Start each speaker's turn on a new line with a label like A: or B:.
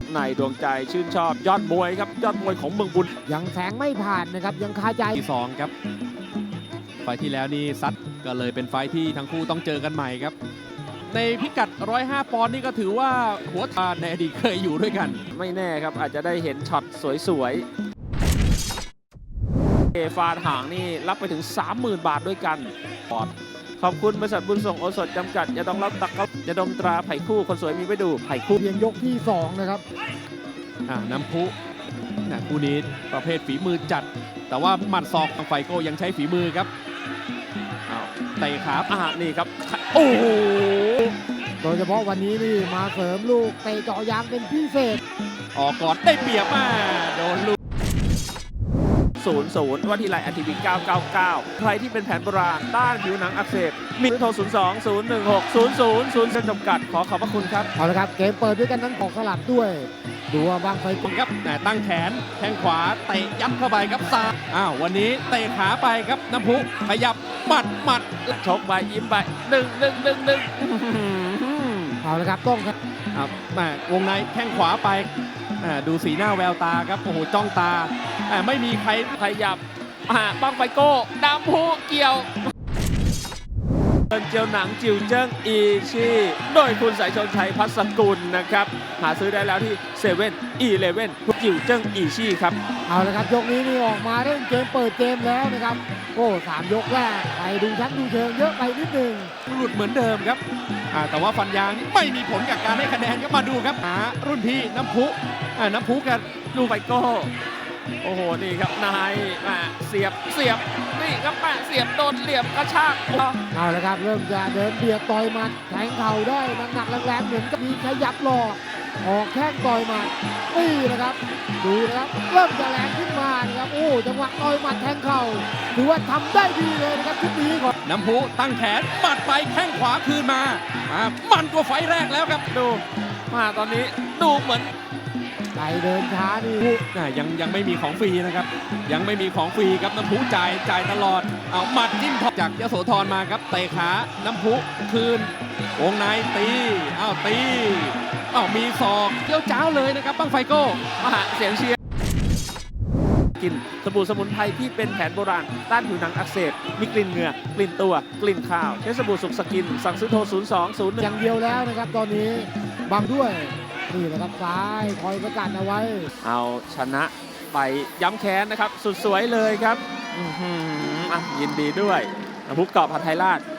A: ในดวงใจชื่นชอบยอดมวยครับยอดมวยของเมืองบุญ
B: ยังแสงไม่ผ่านนะครับยังคาใจ
C: ที่2ครับไฟที่แล้วนี่ซัดก็เลยเป็นไฟที่ทั้งคู่ต้องเจอกันใหม่ครับในพิกัด 105 ปอนด์นี่ก็ถือว่าหัวทานในอดีตเคยอยู่ด้วยกัน
A: ไม่แน่ครับอาจจะได้เห็นช็อตสวยๆฟาดหางนี่รับไปถึง 30,000 บาทด้วยกันขอบคุณบริษัทบุญส่งโอสถจำกัดอย่าต้องรับตักจะดมตราไผ่คู่คนสวยมีไว้ดูไผ่คู่
B: เพียงยกที่2นะครับ
C: น้ำพุคู่นี้ประเภทฝีมือจัดแต่ว่าหมัดศอกของไฟโก้ยังใช้ฝีมือครับเตะขา
A: นี่ครับโอ้โห
B: โดยเฉพาะวันนี้นี่มาเสริมลูกเตะเจาะยางเป็นพิเศษ
C: ออกก่อนได้เปรียบโดนลูก
A: 00ว่าที่ไลน์ทีวี999ใครที่เป็นแผนโบราณต้านผิวหนังอักเสบมีโทร02-016-0000จำกัดขอบพระคุณครับ
B: เอาละครับเกมเปิดด้วยกันทั้งของสลับด้วยดูว่าบางไฟ
C: ครับตั้งแขนแข้งขวาเตะยัดเข้าไปครับซ้ายวันนี้เตะขาไปครับน้ำพุขยับหมัด
A: ชกไปยิ้มไป1
B: เอาละครับต้องครับ
C: วงในแข้งขวาไปดูสีหน้าแววตาครับโอ้โหจ้องตาไม่มีใคร
A: ขยับบังไฟโก้น้ำพุเกี่ยวเจียวหนังจิวเจิ้งอีชีโดยคุณสายชนชัยพัสกุลนะครับหาซื้อได้แล้วที่7-11จิวเจิ้งอีชีครับ
B: เอาละครับยกนี้นี่ออกมาเล่นเกมเปิดเกมแล้วนะครับโอ้3 ยกแรกไปดูชั้นดูเชิงเยอะไปนิดนึง
C: หลุดเหมือนเดิมครับแต่ว่าฟันยางนี่ไม่มีผลกับการให้คะแนนก็มาดูครับรุ่นพี่น้ำพุกัน
A: ดูไฟโก้โอ้โหนี่ครับนายเสียบนี่ครับเสียบโดนเหลี่ยมกระชาก
B: เอาละครับเริ่มจะเดินเบียดต่อยหมัดแทงเข่าได้หนักแรงๆเหมือนกับมีขยับหลอกออกแข้งต่อยหมัดนี่นะครับดูนะครับเริ่มจะแรงขึ้นมานะครับโอ้จังหวะต่อยหมัดแทงเข่าถือว่าทำได้ดีเลยนะครับชุดนี้ก่อน
C: น้ำพุตั้งแขนหมัดไปแข้งขวาคืนมามันกว่าไฟแรกแล้วครับ
A: ดูตอนนี้ดูเหมือน
B: ไปเดินช้านี่
C: ยังไม่มีของฟรีนะครับยังไม่มีของฟรีครับน้ำพุจ่ายตลอดเอาหมัดจิ้มจากยโสธรมาครับเตะขาน้ำพุคืนวงในตีมีศอกเจ้าจ้าวเลยนะครับบังไฟโก้
A: เสียงเชียร์กินสบู่สมุนไพรที่เป็นแผนโบราณต้านผิวหนังอักเสบมีกลิ่นเหงื่อกลิ่นตัวกลิ่นข้าวใช้สบู่สุกสกินสั่งซื้อโทร02-01
B: อย่างเดียวแล้วนะครับตอนนี้บังด้วยนี่แหละครับซ้ายคอยประกาศเอาไว้
A: เอาชนะไปย้ำแค้นนะครับสุดสวยเลยครับยินดีด้วยน้ำพุกรอบผัดไทยราช